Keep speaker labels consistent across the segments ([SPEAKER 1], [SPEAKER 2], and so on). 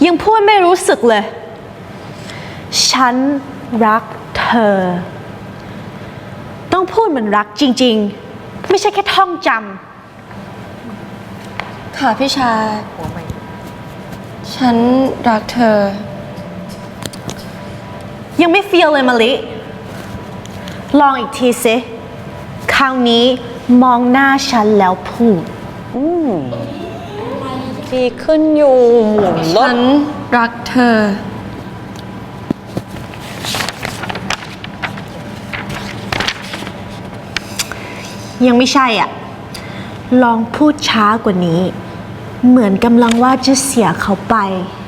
[SPEAKER 1] ยังพูดไม่รู้สึกเลยฉันรักเธอต้องพูดเหมือนรักจริงๆไม่ใช่แค่ท่องจำ
[SPEAKER 2] ค่ะพี่ชาฉันรักเธอ
[SPEAKER 1] ยังไม่ฟีลเลยมะลิลองอีกทีสิคราวนี้มองหน้าฉันแล้วพูด
[SPEAKER 3] ดีขึ้นอยู่หมุนรถ
[SPEAKER 2] ฉันรักเธอ
[SPEAKER 1] ยังไม่ใช่อ่ะลองพูดช้ากว่านี้เหมือนกำลังว่าจะเสียเขาไป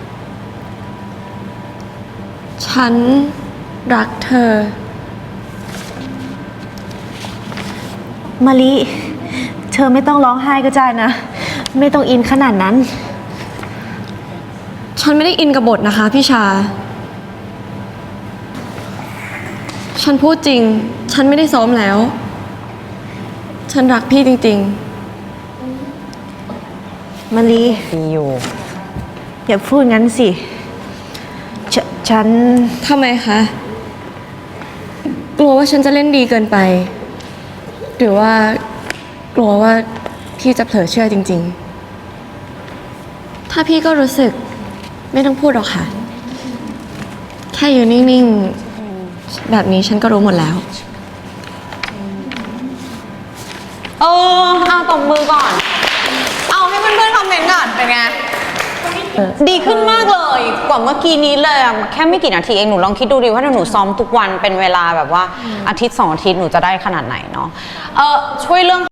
[SPEAKER 2] ฉันรักเธอ
[SPEAKER 1] มะลิเธอไม่ต้องร้องไห้ก็ได้นะไม่ต้องอินขนาดนั้น
[SPEAKER 2] ฉันไม่ได้อินกับบทนะคะพี่ชาฉันพูดจริงฉันไม่ได้ซ้อมแล้วฉันรักพี่จริง
[SPEAKER 1] มะลิ
[SPEAKER 3] ดีอยู่
[SPEAKER 1] อย่าพูดงั้นสิฉัน
[SPEAKER 2] ๆทำไมคะกลัวว่าฉันจะเล่นดีเกินไปหรือว่ากลัวว่าพี่จะเผลอเชื่อจริงๆถ้าพี่ก็รู้สึกไม่ต้องพูดหรอกค่ะแค่อยู่นิ่งๆแบบนี้ฉันก็รู้หมดแล้ว
[SPEAKER 3] เอาตบมือก่อน เอาให้เพื่อนๆคอมเมนต์ก่อนเป็นไงดีขึ้นมากเลยกว่าเมื่อกี้นี้เลยแค่ไม่กี่นาทีเองหนูลองคิดดูดิว่าถ้าหนูซ้อมทุกวันเป็นเวลาแบบว่าอาทิตย์2 อาทิตย์หนูจะได้ขนาดไหนเนาะช่วยเรื่อง